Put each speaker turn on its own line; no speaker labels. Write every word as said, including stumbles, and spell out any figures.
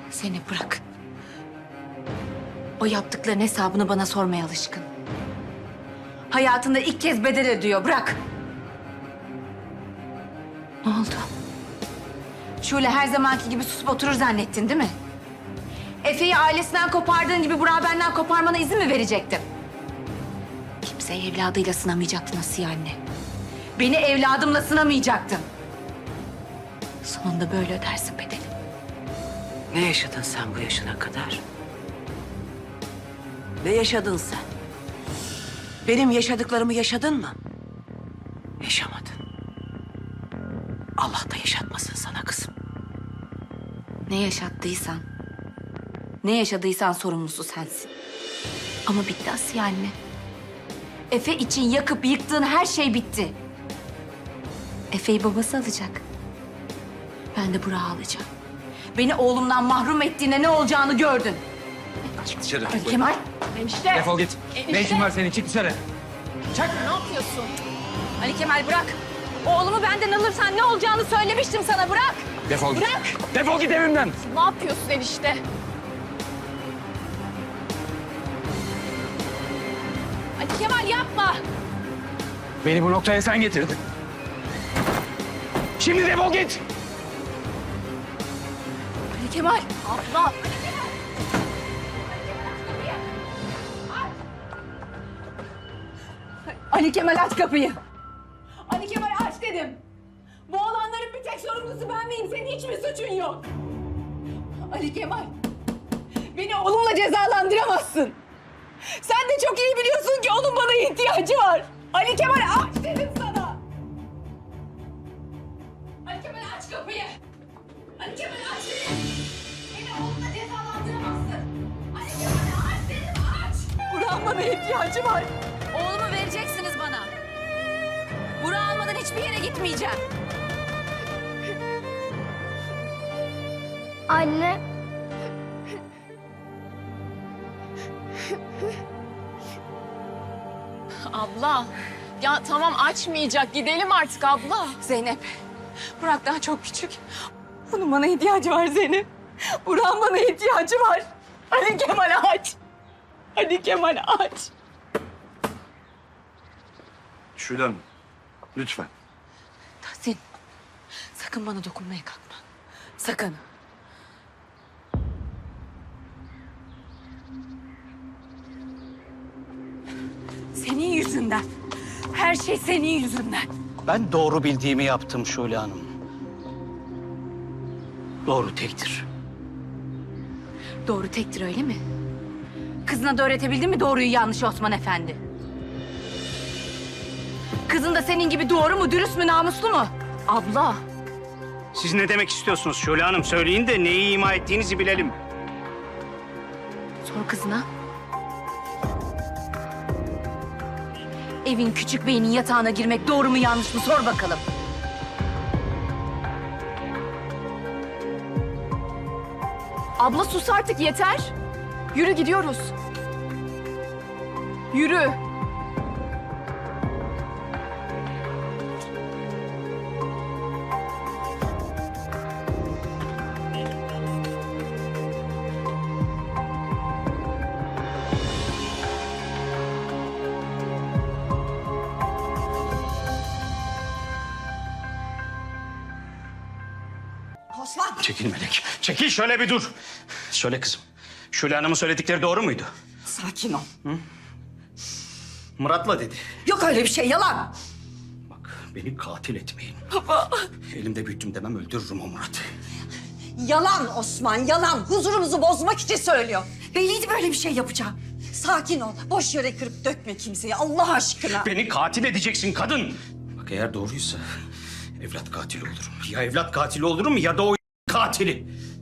Zeynep bırak. O yaptıkların hesabını bana sormaya alışkın. Hayatında ilk kez bedel ödüyor. Bırak. Ne oldu? Şule her zamanki gibi susup oturur zannettin değil mi? Efe'yi ailesinden kopardığın gibi Burak'ı benden koparmana izin mi verecektin? Kimseyi evladıyla sınamayacaktın Asiye anne. Beni evladımla sınamayacaktın. Sonunda böyle ödersin bedeli.
Ne yaşadın sen bu yaşına kadar? Ne yaşadın sen? Benim yaşadıklarımı yaşadın mı? Yaşamadın. Allah da yaşatmasın sana kızım.
Ne yaşattıysan, ne yaşadıysan sorumlusu sensin. Ama bitti Asiye anne. Efe için yakıp yıktığın her şey bitti. Efe'yi babası alacak. Ben de Burak'ı alacağım. Beni oğlumdan mahrum ettiğinde ne olacağını gördün.
Çık dışarı.
Ali Kemal.
Enişte.
Defol git.
Enişte.
Ne işin var senin? Çık dışarı. Çık.
Ne yapıyorsun?
Ali Kemal bırak. Oğlumu benden alırsan ne olacağını söylemiştim sana. Bırak.
Defol git.
Bırak.
Defol git evimden.
Ne yapıyorsun enişte? Ali Kemal yapma.
Beni bu noktaya sen getirdin. Şimdi defol git.
Ali Kemal.
Abla.
Ali Kemal aç kapıyı. Ali Kemal aç dedim. Bu olanların bir tek sorumlusu ben miyim? Senin hiç mi suçun yok? Ali Kemal. Beni oğlumla cezalandıramazsın. Sen de çok iyi biliyorsun ki onun bana ihtiyacı var. Ali Kemal aç dedim sana. Ali Kemal aç kapıyı. Ali Kemal aç dedim. Beni oğlumla cezalandıramazsın. Ali Kemal aç dedim aç. Burak'ın bana ihtiyacı var. Oğlumu vereceksiniz bana. Burak'ı almadan hiçbir yere gitmeyeceğim.
Anne.
Abla. Ya tamam açmayacak. Gidelim artık abla.
Zeynep, Burak daha çok küçük. Bunun bana ihtiyacı var Zeynep. Burak'ın bana ihtiyacı var. Ali Kemal aç. Ali Kemal aç.
Şule Hanım, lütfen.
Tahsin, sakın bana dokunmaya kalkma. Sakın. Senin yüzünden. Her şey senin yüzünden.
Ben doğru bildiğimi yaptım Şule Hanım. Doğru tektir.
Doğru tektir öyle mi? Kızına da öğretebildin mi doğruyu yanlışı Osman Efendi? Kızın da senin gibi doğru mu, dürüst mü, namuslu mu?
Abla.
Siz ne demek istiyorsunuz Şule Hanım? Söyleyin de neyi ima ettiğinizi bilelim.
Sor kızına. Evin küçük beyinin yatağına girmek doğru mu yanlış mı sor bakalım.
Abla sus artık yeter. Yürü gidiyoruz. Yürü.
Osman.
Çekil Melek. Çekil şöyle bir dur. Söyle kızım. Şule Hanım'ın söyledikleri doğru muydu?
Sakin ol.
Murat'la dedi.
Yok öyle bir şey yalan.
Bak beni katil etmeyin.
Baba.
Elimde büyüttüm demem öldürürüm o Murat'ı.
Yalan Osman yalan. Huzurumuzu bozmak için söylüyor. Belliydi böyle bir şey yapacağı. Sakin ol. Boş yere kırıp dökme kimseyi Allah aşkına.
Beni katil edeceksin kadın. Bak eğer doğruysa evlat katili olurum. Ya evlat katili olurum ya da o katili.